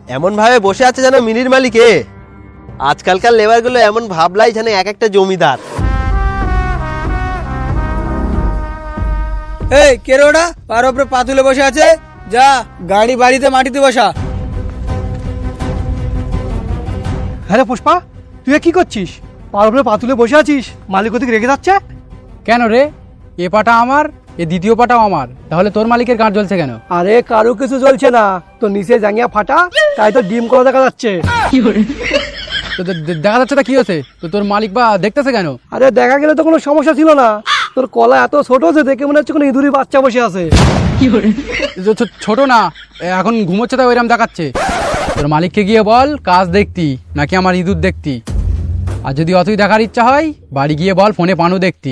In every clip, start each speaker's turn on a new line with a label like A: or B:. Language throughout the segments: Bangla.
A: এমন ভাবে বসে আছে যেন মিনির মালিকে। আজকালকার লেবার গুলো এমন ভাবলাই যেন এক একটা জমিদার।
B: এই কে রে ওটা পার উপরে পা তুলে বসে আছে? যা গাড়ি বাড়িতে মাটিতে বসা।
C: হ্যাঁ রে পুষ্পা, তুই কি করছিস? পার উপরে পা তুলে বসে আছিস, মালিক ওদিকে রেগে যাচ্ছে।
D: কেন রে? এ পাটা আমার, এ দ্বিতীয় পাটাও আমার, তাহলে তোর মালিকের গাঁট জ্বলছে কেন?
C: আরে কারো কিছু জ্বলছে না, তো নিচে জাঙ্গিয়া ফাটা, তাই তো ডিম করা দেখা যাচ্ছে।
D: তো দেখা যাচ্ছে তা কি হয়েছে? তো তোর মালিক বা দেখতেছে কেন?
C: আরে দেখা গেলে তো কোনো সমস্যা ছিল না, তোর কলা এত ছোট যে দেখে মনে হচ্ছে কোনো ইঁদুরি বাচ্চা বসে আছে।
D: ছোট না, এখন ঘুমোচ্ছে তাই ওইরকম দেখাচ্ছে। তোর মালিককে গিয়ে বল কাজ দেখতি নাকি আমার ইঁদুর দেখতি। আর যদি অতই দেখার ইচ্ছা হয় বাড়ি গিয়ে বল ফোনে পানু দেখতি।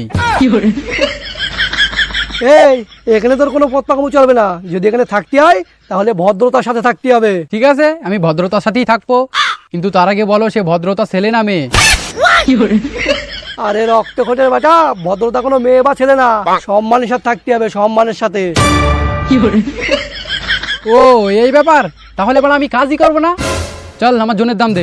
C: এই এখানে তোর কোনো পথপাকামু চলবে না, যদি এখানে থাকতে হয় তাহলে ভদ্রতার সাথে থাকতে হবে।
D: ঠিক আছে, আমি ভদ্রতার সাথেই থাকবো, কিন্তু তার আগে বলো সে ভদ্রতা ছেলে না মেয়ে?
C: আরে রক্তখোটের বাটা, ভদ্রতা কোনো মেয়ে বা ছেলে না, সম্মানের সাথে থাকতে হবে, সম্মানের সাথে।
D: ও এই ব্যাপার, তাহলে বল আমি কাজই করবো না। চল আমার জনের দাম দে।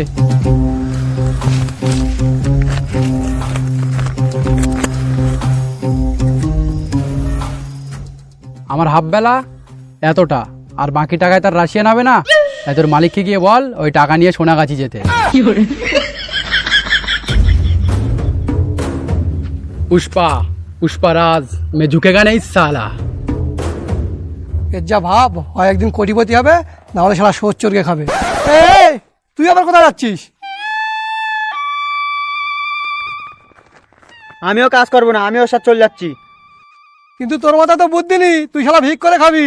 D: আমার হাফ বেলা এতটা, আর বাকি টাকায় তার রাশিয়া নাবে না। তাই তোর মালিককে গিয়ে বল ওই টাকা নিয়ে সোনাগাছি যেতে। পুষ্পা, পুষ্পারাজ মে ঝুঁকেগা নেই সালা।
C: এর যা ভাব, হয় একদিন কোটিপতি হবে, না হলে সারা সোচ চড়কে খাবে। এই তুই আবার কোথায় যাচ্ছিস?
B: আমিও কাজ করবো না, আমি ওর সাথে চলে যাচ্ছি।
C: কিন্তু তোর মাথা তো বুদ্ধি নেই, তুই শালা ভিক করে খাবি।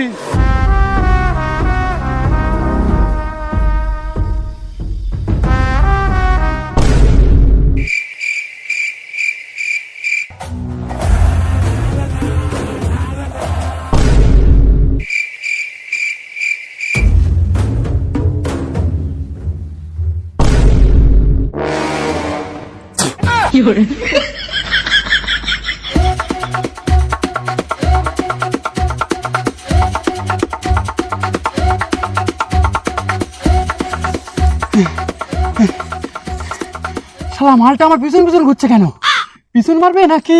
D: শালা মালটা আমার পিছন পিছন ঘুরছে কেন? পিছন মারবে নাকি?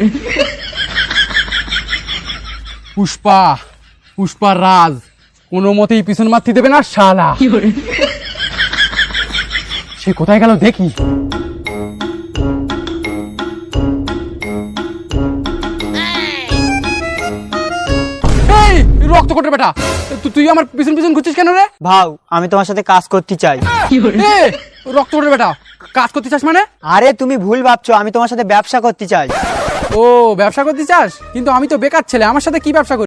D: পুষ্পা, পুষ্পার রাজ কোনো মতেই পিছন মারতে দেবে না শালা। সে কোথায় গেল দেখি। এই রক্তকোটের বেটা, তুই আমার পিছন পিছন ঘুরছিস কেন রে?
B: ভাও, আমি তোমার সাথে কাজ করতে চাই।
D: রক্তকোটের বেটা, কাজ করতে চাস মানে?
B: আরে তুমি ভুল ভাবছো, আমি তোমার সাথে ব্যবসা করতে চাই।
D: ও ব্যবসা করতে চাস? কিন্তু আমি তো বেকার ছেলে, আমার সাথে কি ব্যবসা করবি?